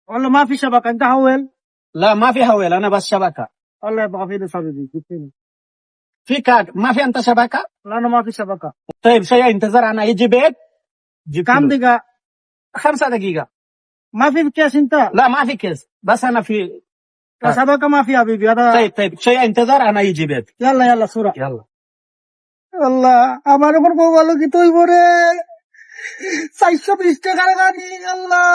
والله ما في شبكة. انت حول. لا ما في حول، انا بس شبكة. والله يبقى في لي صديقي جبتني. في كارد، ما في انت شبكة؟ لا انا ما في شبكة. طيب شوية انتظر، انا يجي بيت جبت كم له. دقيقة؟ 5 دقيقة. ما في كيس انت؟ لا ما في كيس، بس انا في كارد. شبكة ما في حبيبي هذا. طيب شوية انتظر، انا يجي بيت. يلا صورة. يلا আল্লাহ আমার উপর বউ গেল কি তুই বলে 420 টাকার গাড়ি আল্লাহ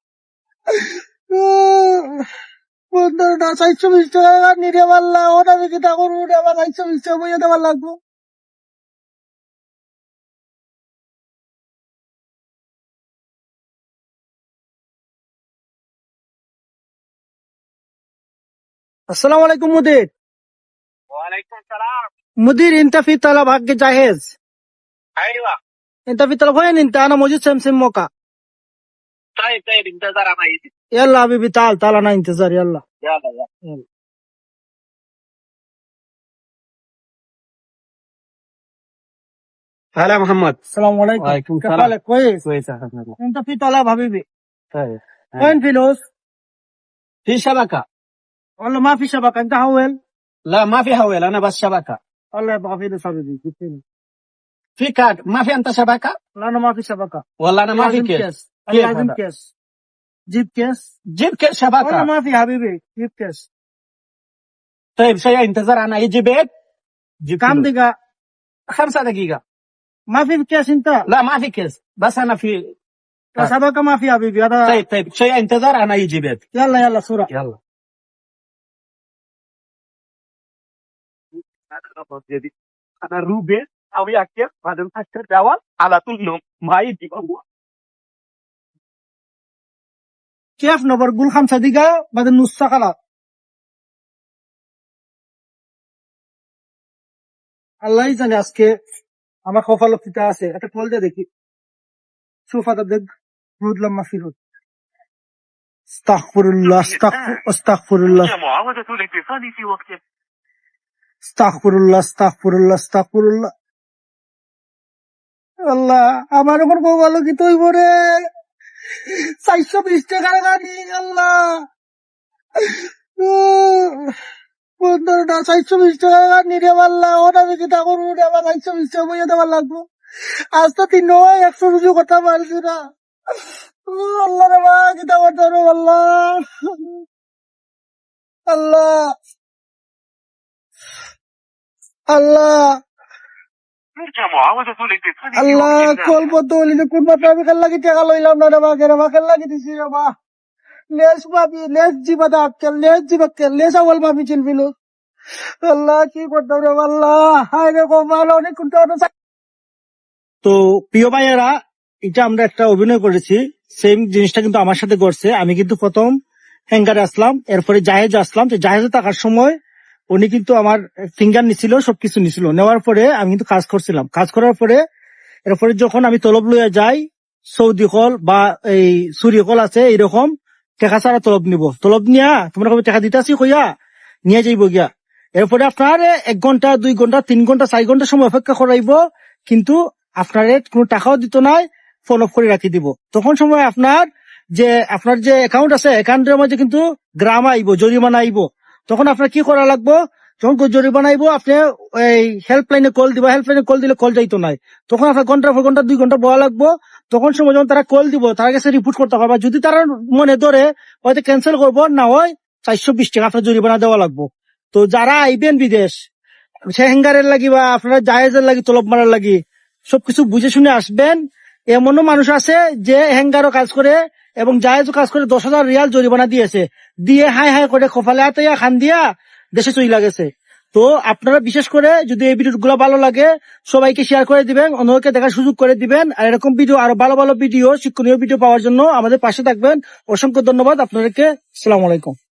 বন্ধুরা 420 টাকার গাড়ি নিয়ে পারলাম ওটা আমি কি তা করবো আবার 420 টাকা বইয়ে দেওয়ার লাগবো। السلام عليكم مدير. وعليكم السلام. مدير انت في طلب حق جاهز؟ ايوه. انت في طلب وين انت؟ انا موجود سمسم موقع. طيب انتظر انا يجي. يلا حبيبي تعال انا انتظار. يلا. يلا. هلا محمد. السلام عليكم. وعليكم كيف السلام. حالك؟ كويس. كويس الحمد لله. انت في طلب حبيبي. طيب وين فلوس؟ في شبكة. والله ما في شبكة. انت حول. لا ما في حول، انا بس شبكة. والله يبقى في لي صديقي جبتني. في كارد، ما في انت شبكة؟ لا انا ما في شبكة. والله انا ما في لازم كيس. كيس. كيف لازم هذا؟ كيس. جيب كيس. جيب كيس والله شبكة. ما في حبيبي جيب كيس. طيب شوية انتظر، انا يجي بيت جبت كم له. دقيقة؟ 5 دقيقة. ما في كيس انت؟ لا ما في كيس، بس انا في كارد. شبكة ما في حبيبي هذا. طيب شوية انتظر، انا يجي بيت. يلا صورة. يلا. انا روبي او ياكل بعدين فكر داول على طول نوم ما يجي هو. كيف نقول 5 دقيقة بعد نص ساعة؟ আল্লাহই জানে আজকে আমার কপালতিতে আছে। একটা কল দিয়ে দেখি। সোফাটা দেখ রুদলাম মাফিরুদ। আস্তাগফিরুল্লাহ আস্তাগফিরুল্লাহ معاودة الاتصال في وقت. আস্তাগফিরুল্লাহ। আল্লাহ আমার উপর বউ গেল কি তুই বলে 420 টাকার গাড়ি আল্লাহ বন্ধুরা 420 টাকার গাড়ি নিয়ে পারলাম ওটা আমি কি তা করবো আবার 420 টাকা বইয়ে দেওয়ার লাগবো। আজ তো 3 নয় 100 রুজু করতে পারছি না। আল্লাহ রে মা কি তা করতে পারবো আল্লাহ ترجى معاودة الاتصال في আল্লাহ وقت. কল বদ্ধ হলি কোন মাত্র আমি খেল লাগি টাকা লইলাম না রে মা খেল লাগি দিছি রে মা লেস পাবি লেস জিবাদা আক্কেল লেস জিবাক্কেল লেস আওয়াল পাবি চিনবিল আল্লাহ কি করতাম রে আল্লাহ হায় রে কপাল অনেক কোনটা। তো প্রিয় ভাইয়েরা, এটা আমরা একটা অভিনয় করেছি, সেম জিনিসটা কিন্তু আমার সাথে করছে। আমি কিন্তু প্রথম হ্যাঙ্গারে আসলাম, এরপরে জাহেজে আসলাম। জাহেজে থাকার সময় উনি কিন্তু আমার ফিঙ্গার নিছিল, সবকিছু নিছিল। নেওয়ার পরে আমি কিন্তু কাজ করছিলাম। কাজ করার পরে এরপরে যখন আমি তলব লইয়া যাই, সৌদি কল বা এই সুরি কল আছে, এইরকম টেকা ছাড়া তলব নিব। তলব নিয়া তোমরা কবে টাকা দিতেছি কইয়া নিয়ে যাইব গিয়া। এরপরে আপনার 1 ঘন্টা 2 ঘন্টা 3 ঘন্টা 4 ঘন্টা সময় অপেক্ষা করাইব, কিন্তু আপনার কোনো টাকাও দিত নাই, ফোন অফ করে রাখি দিব। তখন সময় আপনার যে অ্যাকাউন্ট আছে, অ্যাকাউন্টের মধ্যে কিন্তু গ্রাম আইব, জরিমানা আইব। তখন আপনার কি করা লাগবো? যখন জরিমানা আইব আপনি এই হেল্পলাইনে কল দিবা। হেল্পলাইনে কল দিলে কল যাইতো নাই, তখন আপনার ঘন্টার পর ঘন্টা 2 ঘন্টা বলা লাগবো। তখন সময় যখন তারা কল দিব তার কাছে রিপোর্ট করতে হবে। যদি তারা মনে ধরে হয়তো ক্যান্সেল করবো, না হয় 420 টাকা আপনার জরিমানা দেওয়া লাগবো। তো যারা আইবেন বিদেশ, সে হ্যাঙ্গারের লাগি বা আপনারা জাহেজের লাগি তলব মারার লাগি, সবকিছু বুঝে শুনে আসবেন। এমনও মানুষ আছে যে হ্যাঙ্গারও কাজ করে এবং জাহেজও কাজ করে 10,000 রিয়াল জরিমানা দিয়েছে, দিয়ে হাই করে কপালে হাতে খান দিয়া দেশে চলে গেছে। তো আপনারা বিশেষ করে যদি এই ভিডিওগুলো ভালো লাগে সবাইকে শেয়ার করে দিবেন, অন্যকে দেখার সুযোগ করে দিবেন। আর এরকম ভিডিও, আরো ভালো ভিডিও, শিক্ষণীয় ভিডিও পাওয়ার জন্য আমাদের পাশে থাকবেন। অসংখ্য ধন্যবাদ আপনাদেরকে। আসসালামু আলাইকুম।